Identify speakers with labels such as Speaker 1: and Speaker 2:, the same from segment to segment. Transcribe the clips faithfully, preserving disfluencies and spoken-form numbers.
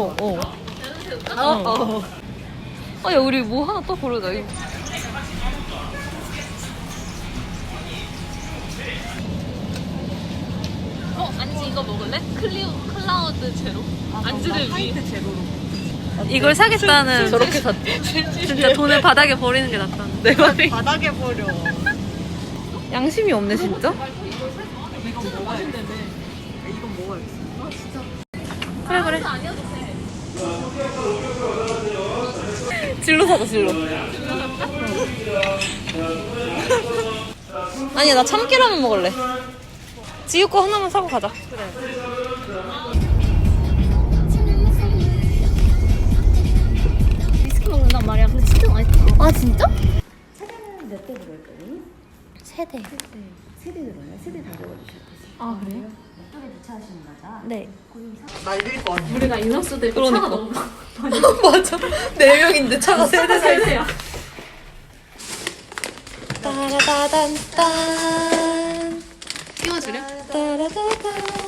Speaker 1: 어, 어. 어, 어. 아, 야, 우리 뭐 하나 또 고르자, 이거. 어, 안지 이거 먹을래? 클리우, 클라우드 제로? 안지를 위. 이걸 사겠다는. 저렇게 샀지. 진짜 돈을 바닥에 버리는 게 낫다는. 내 말이.
Speaker 2: 바닥에 버려.
Speaker 1: 양심이 없네, 진짜?
Speaker 2: 이건 먹어야겠어. 이건 먹어야겠어. 아, 진짜.
Speaker 1: 그래, 그래. 진로 사자, 진로. 아니야, 나 참깨라면 먹을래. 지우 거 하나만 사고 가자. 그래.
Speaker 3: 위스키 먹는단 말이야. 근데 진짜 맛있다.
Speaker 4: 아 진짜?
Speaker 5: 세대는 몇 대 들어올 거니?
Speaker 4: 세대.
Speaker 5: 세대 들어요? 세대 다 적어주셔야 되지.
Speaker 4: 아 그래요?
Speaker 5: 몇 dol에 주차하시는 거죠?
Speaker 4: 네.
Speaker 2: 날릴 거 아니야.
Speaker 3: 우리가 인원수 대비
Speaker 1: 그러니까.
Speaker 3: 차가 너무
Speaker 1: 맞아. 네 명인데 차가 세 대 서 있어.
Speaker 3: 세대야.
Speaker 4: 따라다단딴.
Speaker 3: 띄워주려?
Speaker 4: 따라다단.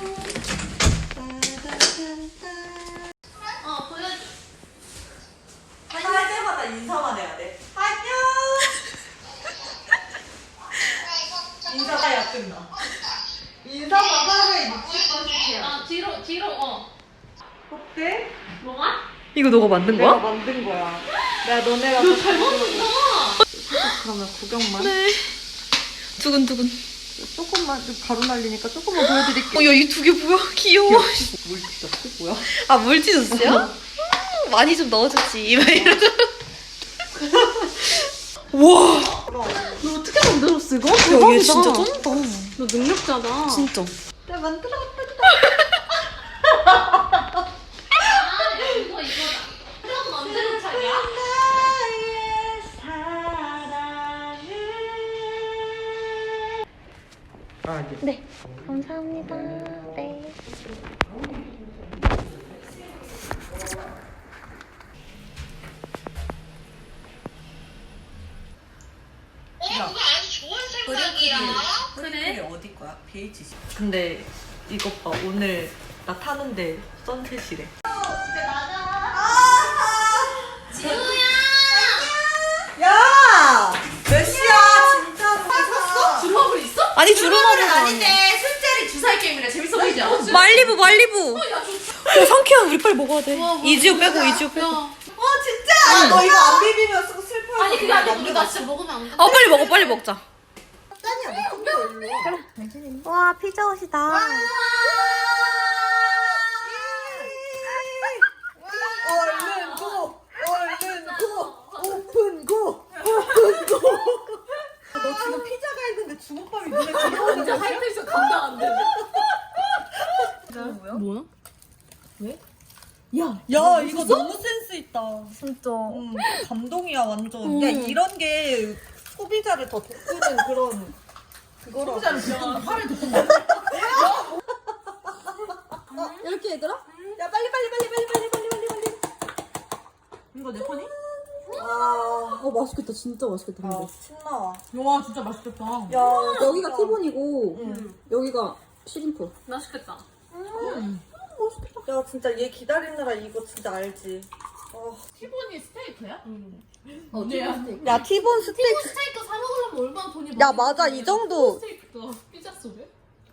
Speaker 2: 할 때마다 인사만 해야 돼. 안녕. 인사가 야 끝나. 인사만 하루에 육십 번씩 해야
Speaker 3: 아 뒤로 뒤로 어.
Speaker 2: 어때?
Speaker 3: 뭐가?
Speaker 1: 이거 너가 만든
Speaker 2: 내가
Speaker 1: 거야?
Speaker 2: 만든 거야. 내가 너네가
Speaker 3: 너 잘 먹는다.
Speaker 2: 그러면 구경만.
Speaker 1: 네. 두근두근.
Speaker 2: 조금만 좀 가루 날리니까 조금만 보여드릴게.
Speaker 1: 어, 야, 이 두 개 뭐야? 귀여워.
Speaker 2: 물 찢었어? 뭐야?
Speaker 1: 아, 물티슈스야? 음, 많이 좀 넣어줬지. 막 이러고. 와.
Speaker 3: 너 어떻게 만들었어 이거?
Speaker 1: 야, 얘
Speaker 3: 대박이다.
Speaker 1: 진짜 쩐다.
Speaker 3: 너 능력자다.
Speaker 1: 진짜.
Speaker 2: 내가 만들어봤다.
Speaker 3: 아 이거 이거다. 그럼 언제 도착이야?
Speaker 2: 아, 네.
Speaker 4: 네. 감사합니다. 네.
Speaker 2: 그래? 어디 거야? 비에이치씨. 근데 이것 봐. 오늘 나 타는데 선셋이래. 야! 몇 시야? 진짜 샀어?
Speaker 3: 주먹을 있어?
Speaker 1: 아니, 주름하고
Speaker 3: 술자리 주사위 게임이래. 재밌어 보이지 않아?
Speaker 1: 말리부, 말리부. 야, 상쾌한 우리 빨리 먹어야 돼. 이지우 빼고, 이지우 빼고.
Speaker 3: 야.
Speaker 2: 어 진짜? 아, 너 이거 안 비비면 쓰고 슬퍼.
Speaker 3: 아니 그게 아니고 우리 나 진짜 먹으면 안 돼.
Speaker 1: 아, 빨리 먹어, 빨리 먹자.
Speaker 2: 딴이야, 너 컴퓨터 일로.
Speaker 4: 와 피자 옷이다.
Speaker 2: 얼른 고! 얼른 고! 오픈 고! 오픈 고! 너 지금 피자가 있는데 주먹밥이 눈에 들어오는
Speaker 3: 진짜
Speaker 2: 거야?
Speaker 3: 하이테이션 감당 안 돼.
Speaker 2: 뭐야?
Speaker 3: 뭐야?
Speaker 2: 야, 이거 너무 센스 있다.
Speaker 4: 진짜.
Speaker 2: 응, 감동이야 완전. 야, 이런 게 소비자를 더 돋구는 그런 그거라고. 소비자를 진짜 팔을 돋군다.
Speaker 4: 이렇게 얘들아?
Speaker 2: 야, 빨리 빨리 빨리 빨리 빨리 빨리 빨리 빨리. 이거 내 폰이? 아,
Speaker 6: 어 맛있겠다 진짜 맛있겠다 근데
Speaker 2: 아, 신나와.
Speaker 3: 와 진짜 맛있겠다.
Speaker 2: 야,
Speaker 6: 여기가
Speaker 2: 진짜.
Speaker 6: 티본이고
Speaker 2: 응.
Speaker 6: 여기가 시림프
Speaker 3: 맛있겠다.
Speaker 2: 야, 진짜 얘 기다리느라 이거 진짜 알지. 어.
Speaker 3: 티본이 스테이크야?
Speaker 6: 어
Speaker 3: 뭐야?
Speaker 6: 티본 스테이크
Speaker 2: 야, 티본 스테이크.
Speaker 3: 스테이크 사 먹으려면 얼마나 돈이 많이
Speaker 2: 야, 맞아. 이 정도.
Speaker 3: 스테이크가 피자 속에?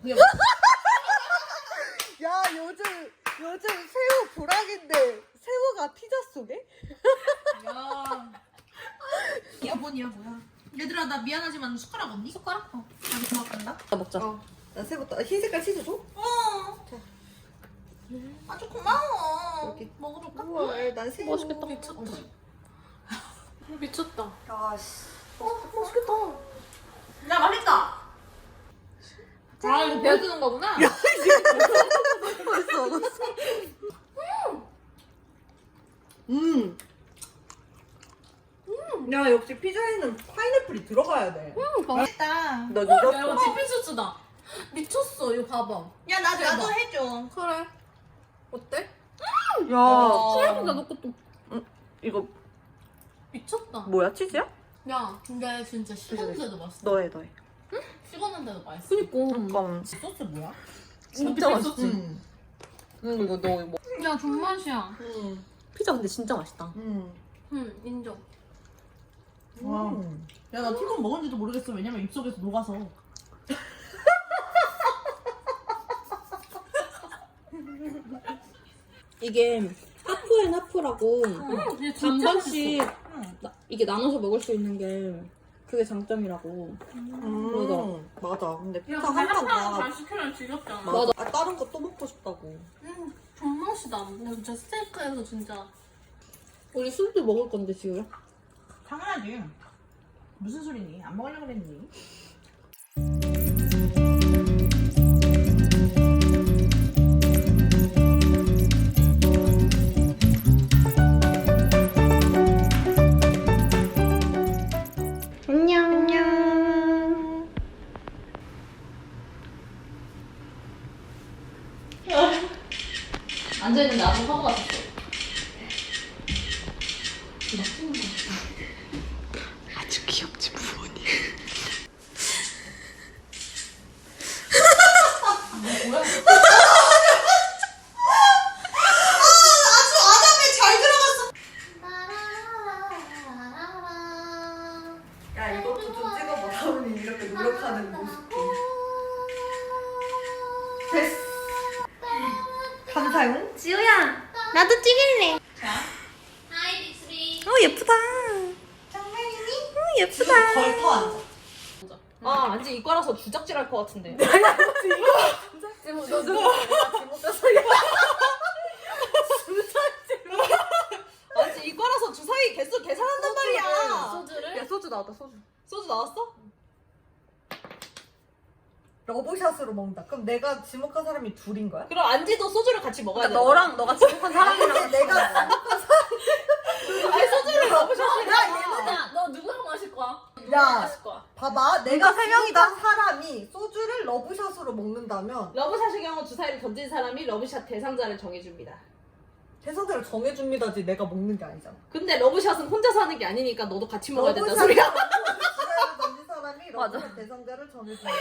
Speaker 2: 야, 요즘 요즘 새우 불황인데 새우가 피자 속에?
Speaker 3: 야. 야 뭐냐 뭐야? 얘들아 나 미안하지만 숟가락 없니? 숟가락? 어. 아니 고맙단다.
Speaker 1: 먹자.
Speaker 2: 어. 나 새우 또 흰 색깔 치즈 줘?
Speaker 3: 어.
Speaker 2: 자.
Speaker 3: 아주 고마워.
Speaker 2: 여기.
Speaker 3: 먹어볼까?
Speaker 2: 우와, 난 새우.
Speaker 3: 맛있겠다. 미쳤다. 미쳤다.
Speaker 2: 야, 씨.
Speaker 3: 어 맛있겠다. 야 맛있다. 아 이거 배워주는 거구나. 야.
Speaker 2: 벌써 먹었어. 음. 야, 역시 피자에는 파인애플이 들어가야 돼.
Speaker 3: 음, 맛있다.
Speaker 2: 너
Speaker 3: 야
Speaker 2: 늦었어.
Speaker 3: 이거 치킨 소스다. 미쳤어 이거 봐봐.
Speaker 2: 야, 나
Speaker 3: 대박.
Speaker 2: 나도 해줘.
Speaker 3: 그래. 어때?
Speaker 2: 야,
Speaker 3: 생각보다 너 것도
Speaker 2: 이거
Speaker 3: 미쳤다.
Speaker 2: 뭐야? 치즈야?
Speaker 3: 야 근데 진짜 식었는데도 맛있어.
Speaker 2: 너해, 너해.
Speaker 3: 식었는데도 맛있어.
Speaker 6: 그니까
Speaker 2: 잠깐.
Speaker 3: 소스 뭐야?
Speaker 6: 진짜 맛있지
Speaker 2: 음. 응, 이거 너 뭐.
Speaker 3: 야
Speaker 1: 야 존맛이야.
Speaker 2: 음.
Speaker 6: 피자 근데 진짜 맛있다.
Speaker 2: 음.
Speaker 1: 응 인정.
Speaker 3: 와. 야, 나 티본 먹은지도 모르겠어. 왜냐면 입속에서 녹아서.
Speaker 6: 이게 하프앤 하프라고
Speaker 1: 이게 진짜
Speaker 6: 반반씩 나- 이게 나눠서 먹을 수 있는 게 그게 장점이라고.
Speaker 2: 음. 맞아. 근데 피자
Speaker 1: 야
Speaker 2: 한 판
Speaker 1: 잘
Speaker 2: 다.
Speaker 1: 시키면 지겹잖아.
Speaker 2: 맞아. 아, 다른 거 또 먹고 싶다고.
Speaker 1: 응 존맛이다. 근데 진짜 스테이크에서 진짜.
Speaker 6: 우리 술도 먹을 건데 지우야?
Speaker 3: 당연하지. 무슨 소리니? 안 먹으려고 그랬니?
Speaker 4: 안녕.
Speaker 1: 앉아있는 나도 하고 왔었어.
Speaker 2: 아주 귀엽지, 부모님. 야, 이것도 좀 찍어봐. 사원이 이렇게 노력하는 모습도. 됐어. 감사용.
Speaker 4: 지우야, 나도 찍을래. 어 예쁘다.
Speaker 2: 정말이니?
Speaker 4: 어 예쁘다.
Speaker 2: 걸터 앉아.
Speaker 6: 아 안지 이과라서 주작질할 것 같은데. 안지 이과라서 주사위 개수 계산한단 말이야.
Speaker 1: 소주를?
Speaker 6: 야 소주 나왔다 소주. 소주 나왔어?
Speaker 2: 러브샷으로 먹는다. 그럼 내가 지목한 사람이 둘인 거야?
Speaker 6: 그럼 안지도 소주를 같이 먹어야 돼.
Speaker 1: 너랑 너가 지목한 사람이랑.
Speaker 2: 내가
Speaker 6: 아니 소주를 러브샷이야.
Speaker 1: 야, 너 누구랑 마실 거야? 누구랑
Speaker 2: 야.
Speaker 1: 마실 거야?
Speaker 2: 봐봐. 내가 세 명이다. 사람이 소주를 러브샷으로 먹는다면
Speaker 6: 러브샷의 경우 주사위를 던진 사람이 러브샷 대상자를 정해줍니다.
Speaker 2: 대상자를 정해줍니다지 내가 먹는 게 아니잖아.
Speaker 6: 근데 러브샷은 혼자서 하는 게 아니니까 너도 같이 먹어야 된다
Speaker 2: 러브샷을
Speaker 6: 소리야.
Speaker 2: 던진 사람이 러브샷 대상자를 정해줍니다.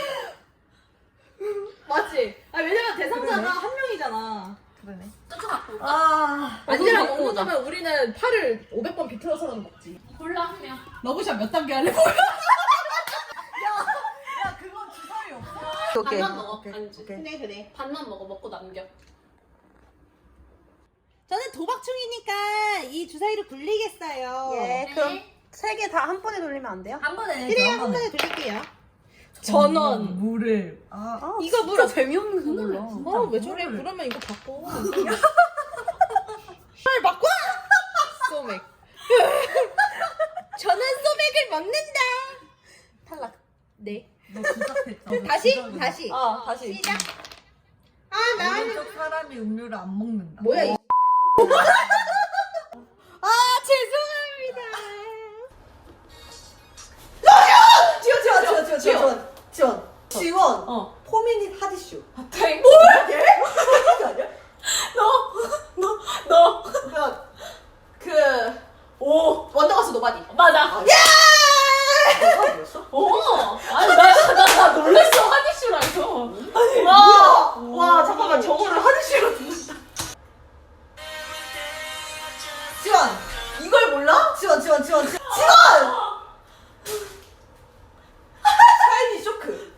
Speaker 6: 맞지? 아 왜냐면 대상자가
Speaker 2: 그러네.
Speaker 6: 한 명이잖아.
Speaker 2: 그러네.
Speaker 1: 소주 갖고 올까?
Speaker 2: 아.
Speaker 6: 안지랑
Speaker 1: 먹고 오자.
Speaker 6: 먹는다면 우리는 팔을 오백 번 비틀어서라도 먹지.
Speaker 1: 골라 한 명.
Speaker 3: 러브샷 몇 단계 할래?
Speaker 2: 야, 그건 주사위 없어.
Speaker 1: 반만 먹어.
Speaker 2: 오케이,
Speaker 1: 안주.
Speaker 2: 오케이.
Speaker 6: 그래 그래.
Speaker 1: 반만 먹어. 먹고 남겨.
Speaker 3: 저는 도박충이니까 이 주사위를 굴리겠어요.
Speaker 4: 예, 그럼 세 개 다 한 번에 돌리면 안 돼요?
Speaker 2: 한 번에.
Speaker 3: 그래요, 한 번에 돌릴게요.
Speaker 6: 전원.
Speaker 2: 물을. 아,
Speaker 4: 아,
Speaker 6: 이거
Speaker 4: 진짜
Speaker 6: 물어.
Speaker 4: 재미없는 거 몰라.
Speaker 6: 어 왜 저래? 그러면 이거 바꿔. 헐 바꿔. 소맥.
Speaker 3: 저는 소맥을 먹는다.
Speaker 6: 탈락. 네.
Speaker 2: 너 주작했잖아.
Speaker 3: 다시? 다시.
Speaker 6: 아 다시.
Speaker 3: 시작. 아, 나는.
Speaker 2: 오른쪽 사람이 음료를 안 먹는다.
Speaker 3: 뭐야, 이. 아, 죄송합니다.
Speaker 2: 지원, 지원, 지원, 지원, 지원, 지원. 지원.
Speaker 6: 어.
Speaker 2: 포미닛 하디슈.
Speaker 6: 땡.
Speaker 2: 뭐야? 얘? 이게 아니야?
Speaker 6: 너.
Speaker 2: 야,
Speaker 6: 그. 오. 원더걸스 노바디.
Speaker 1: 맞아.
Speaker 2: 뭐가 뭐였어?
Speaker 1: 오. 아니 나, 나, 나 놀랬어. 하디슈라서.
Speaker 6: 와. 와 잠깐만 저거를 하드시로 듣는다.
Speaker 2: 지원.
Speaker 6: 이걸 몰라?
Speaker 2: 지원, 지원, 지원, 지원.
Speaker 6: 샤이니 쇼크.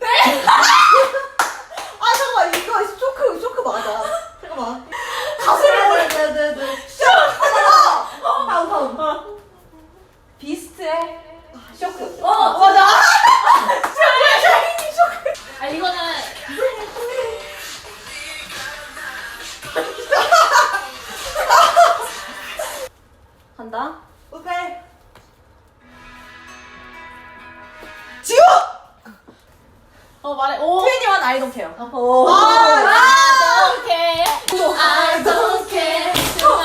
Speaker 2: 아, 잠깐만. 이거 쇼크, 쇼크 맞아. 잠깐만.
Speaker 6: 가수를
Speaker 2: 네, 네, 네.
Speaker 6: 다음 다음. 비스트의 쇼크.
Speaker 1: 어
Speaker 6: 맞아.
Speaker 1: 아 이거는
Speaker 6: 간다.
Speaker 2: 오케이.
Speaker 1: 어 말해. 오.
Speaker 6: 트웬티원 아이 돈 케어.
Speaker 2: 오.
Speaker 1: I don't care. I don't care.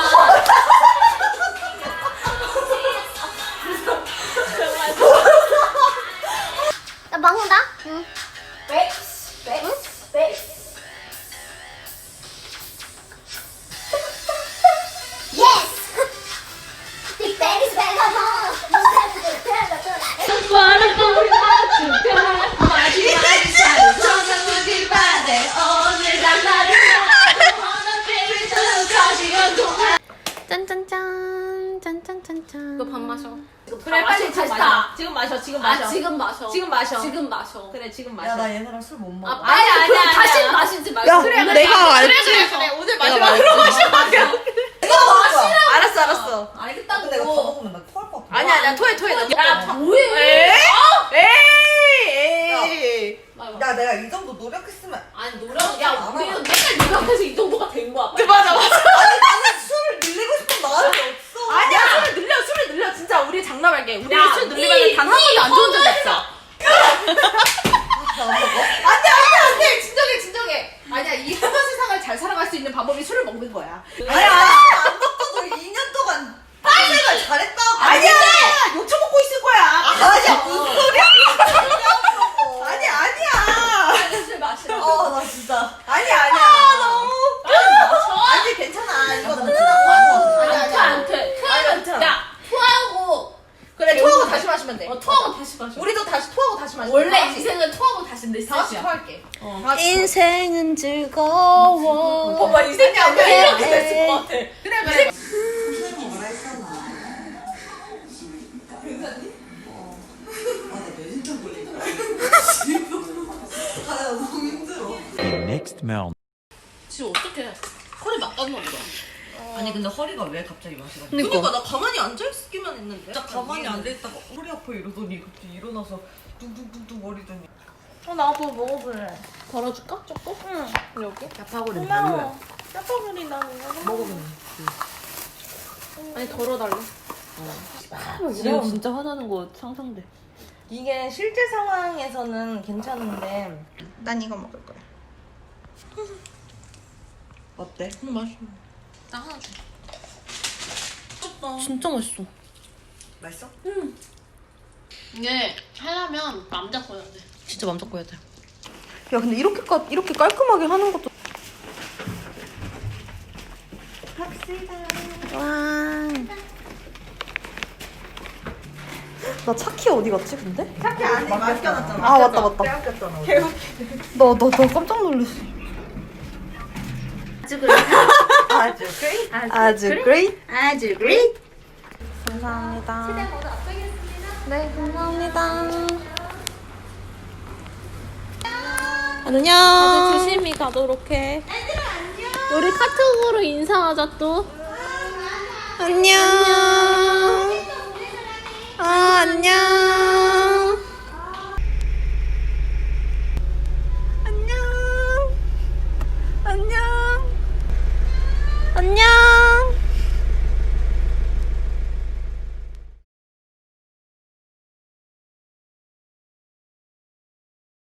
Speaker 4: 나 먹는다. 응.
Speaker 6: 백스 백스 백스.
Speaker 4: Big Daddy's back at home.
Speaker 1: 마지막이 살을 저장하길 바래. 오늘 난 나를 wanna be too. 짠짠짠짠 짠짠짠짠. 너 밥 마셔.
Speaker 3: 그래 빨리 다시 타. 지금 마셔. 지금 마셔.
Speaker 1: 아 지금 마셔.
Speaker 3: 지금 마셔.
Speaker 1: 지금 마셔.
Speaker 3: 그래 지금 마셔.
Speaker 2: 야 나 얘네랑 술 못 먹어.
Speaker 1: 아 아니 아니 아니. 다시 마시지 말고.
Speaker 2: 야,
Speaker 1: 그래
Speaker 2: 내가 알지.
Speaker 1: 그래 그래 그래. 오늘
Speaker 2: 내가
Speaker 1: 마지막으로
Speaker 2: 말했지.
Speaker 1: 마시면
Speaker 2: 내가 먹을 거야.
Speaker 3: 알았어 알았어.
Speaker 1: 알겠다고.
Speaker 2: 근데 이거 더 먹으면 나 토할 것 같아.
Speaker 3: 아니야 아니야 토해 토해. 너.
Speaker 1: 야 뭐해?
Speaker 3: 에이.
Speaker 2: 야 내가 이 정도 노력했으면.
Speaker 1: 아니 노력. 야 우리는 맨날 노력해서 이 정도가 된 거야.
Speaker 3: 맞아 맞아.
Speaker 2: 아니 나는 술을 늘리고 싶은 마음이 없어.
Speaker 3: 아니야 술을 늘려 술을 늘려 진짜 우리 장난할게. 우리
Speaker 1: 야,
Speaker 3: 술
Speaker 1: 니-
Speaker 3: 늘리면 단 한 번도 안 좋은 적
Speaker 1: 니
Speaker 3: 없어.
Speaker 2: 나안 먹어?
Speaker 3: 안돼 안돼 안돼 진정해 진정해. 아니야 이 험한 세상을 잘 살아갈 수 있는 방법이 술을 먹는 거야.
Speaker 2: 아니야 안 먹어도 이 년 동안 딴생활 잘했다고.
Speaker 3: 아니야 욕처 먹고 있을 거야.
Speaker 2: 아니야 무슨 소리야?
Speaker 3: 아니 아니야.
Speaker 1: 빨리 술 마시라.
Speaker 2: 어나 진짜.
Speaker 3: 아니야 아니야.
Speaker 2: 너무.
Speaker 3: 아니 괜찮아. 이거 너무
Speaker 1: 안
Speaker 3: 아니
Speaker 1: 돼,
Speaker 3: 아니
Speaker 1: 안 돼.
Speaker 3: 아니,
Speaker 1: 토하면
Speaker 3: 괜찮아.
Speaker 1: 야 토하고
Speaker 3: 그래 토하고 다시 마시면 돼.
Speaker 1: 어 토하고 다시 마셔.
Speaker 3: 우리도 다시 토하고 다시 마시면
Speaker 1: 원래
Speaker 3: 돼.
Speaker 1: 인생은 토하고 다시 내
Speaker 3: 다 같이
Speaker 1: 셋이야.
Speaker 3: 토할게.
Speaker 1: 인생은 즐거워.
Speaker 3: 오빠 인생이 아니야.
Speaker 1: 이렇게 됐을 것 같아.
Speaker 3: 그래 그래.
Speaker 7: Next mountain.
Speaker 1: 지금 어떻게 허리 막았나 보다.
Speaker 2: 아니 근데 허리가 왜 갑자기 마시가?
Speaker 3: 그러니까 나 가만히 앉아 있기만 했는데.
Speaker 2: 진짜 가만히 앉아있다가 허리 아파 이러더니 갑자기 일어나서 뚱뚱뚱뚱 거리더니.
Speaker 3: 어 나도 먹어볼래.
Speaker 1: 덜어줄까? 조금? 응. 여기?
Speaker 2: 야파고리
Speaker 3: 고마워. 짜파구리 나
Speaker 2: 먹으면.
Speaker 1: 아니 덜어달래.
Speaker 2: 지금 진짜 화나는 거 상상돼.
Speaker 3: 이게 실제 상황에서는 괜찮은데 난 이거 먹을 거야.
Speaker 2: 어때?
Speaker 1: 음, 맛있어. 나 하나 줘.
Speaker 2: 진짜 맛있어. 맛있어?
Speaker 1: 이게 하려면 남자 거야 돼.
Speaker 2: 진짜 맘 잡고 해야 돼. 야 근데 이렇게 까, 이렇게 깔끔하게 하는 것도. 나 차키 어디 갔지 근데?
Speaker 3: 차키 안에 맡겨놨잖아.
Speaker 2: 아 맞다 맞다.
Speaker 3: 빼앗겼잖아.
Speaker 2: 나 나 나 깜짝 놀랐어.
Speaker 3: 아주 그래.
Speaker 2: 아주 great. 아주 great.
Speaker 3: 아주 그래.
Speaker 2: 감사합니다. 네 감사합니다. 안녕.
Speaker 1: 다들 조심히 가도록 해. 우리 카톡으로 인사하자 또.
Speaker 2: 안녕. 아 안녕.